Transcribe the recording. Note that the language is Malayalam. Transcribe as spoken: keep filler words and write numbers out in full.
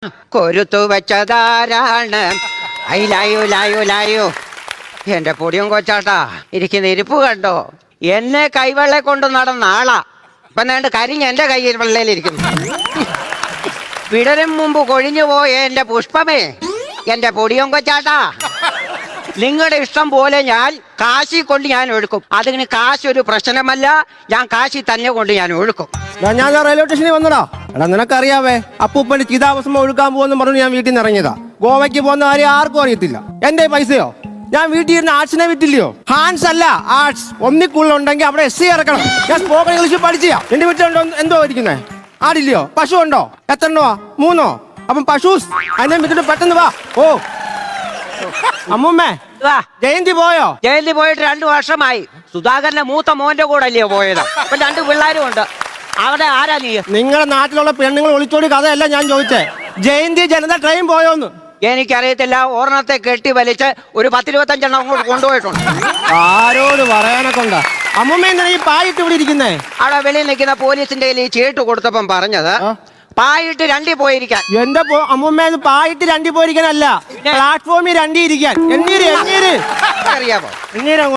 കൊരുത്തു വെച്ചതാരാണ്? അയിലായോ ലായോ ലായോ. എന്റെ പൊടിയും കൊച്ചാട്ടാ ഇരിക്കുന്ന ഇരിപ്പ് കണ്ടോ? എന്നെ കൈവെള്ളെ കൊണ്ട് നടന്ന ആളാ ഇപ്പൊ നേണ്ട് കരിഞ്ഞ് എന്റെ കയ്യിൽ വെള്ളയിലിരിക്കുന്നു. വിടരും മുമ്പ് കൊഴിഞ്ഞു പോയ എന്റെ പുഷ്പമേ, എന്റെ പൊടിയും കൊച്ചാട്ടാ, നിങ്ങളുടെ ഇഷ്ടം പോലെ ഞാൻ കാശി കൊണ്ട് ഞാൻ ഒഴുക്കും. അതിന് കാശ് ഒരു പ്രശ്നമല്ല, ഞാൻ കാശി തന്നെ കൊണ്ട് ഞാൻ ഒഴുക്കും. ഞാൻ റെയിൽവേ സ്റ്റേഷനിൽ വന്നടാ. എടാ നിനക്കറിയാവേ, അപ്പൂപ്പന്റെ ചിതാഭസ്മം ഒഴുക്കാൻ പോകുമെന്ന് പറഞ്ഞു ഞാൻ വീട്ടിൽ നിന്ന് ഇറങ്ങിയതാ. ഗോവയ്ക്ക് പോകുന്ന കാര്യം ആർക്കും അറിയത്തില്ല. എന്റെ പൈസയോ ഞാൻ വീട്ടിൽ ഇരുന്ന് ആർട്സിനെ വിറ്റില്ലയോ? ഹാൻസ് അല്ല ആർട്സ്. ഒന്നിക്കുള്ളുണ്ടെങ്കിൽ അവിടെ എസ് സി ഇറക്കണം. ഞാൻ സ്പോക്കൺ ഇംഗ്ലീഷ് പഠിച്ചാ. എന്റെ വീട്ടിലുണ്ടോ എന്തോ ഇരിക്കുന്നേ? ആടില്ലയോ? പശു ഉണ്ടോ? എത്ര എണ്ണോ? മൂന്നോ? അപ്പം പശൂസ് അതിനെ വിട്ടിട്ട് പെട്ടെന്ന് വാ. ഓ അമ്മൂമ്മേ, ജയന്തി പോയോ? ജയന്തി പോയിട്ട് രണ്ടു വർഷമായി. സുധാകരന്റെ മൂത്ത മോന്റെ കൂടെ അല്ലയോ പോയത്? അപ്പൊ രണ്ട് പിള്ളേരും ഉണ്ട്. അവിടെ ആരാ നീ? നിങ്ങളുടെ നാട്ടിലുള്ള പെണ്ണുങ്ങൾ ഒളിച്ചോടി കഥയല്ല ഞാൻ ചോദിച്ചേ. ജയന്തി ജനത ട്രെയിൻ പോയോന്ന്? എനിക്കറിയത്തില്ല. ഓർണത്തെ കെട്ടി വലിച്ച് ഒരു പത്തിരുപത്തഞ്ചെണ്ണം അങ്ങോട്ട് കൊണ്ടുപോയിട്ടുണ്ട്. ആരോട് പറയാനൊക്കെ ഉണ്ടാ? അമ്മൂമ്മ എന്തിനാ ഈ പായിട്ട് ഇവിടെ ഇരിക്കുന്നേ? അവിടെ വെളിയിൽ നിൽക്കുന്ന പോലീസിന്റെ കയ്യിൽ ഈ ചീട്ട് കൊടുത്തപ്പം പറഞ്ഞത് പായിട്ട് രണ്ടി പോയിരിക്കാൻ. എന്റെ അമ്മൂമ്മ പായിട്ട് രണ്ടി പോയിരിക്കാനല്ല, പ്ലാറ്റ്ഫോമിൽ രണ്ടി ഇരിക്കാൻ. എന്നീര് എന്നീര് അറിയാമോ? എന്നീര്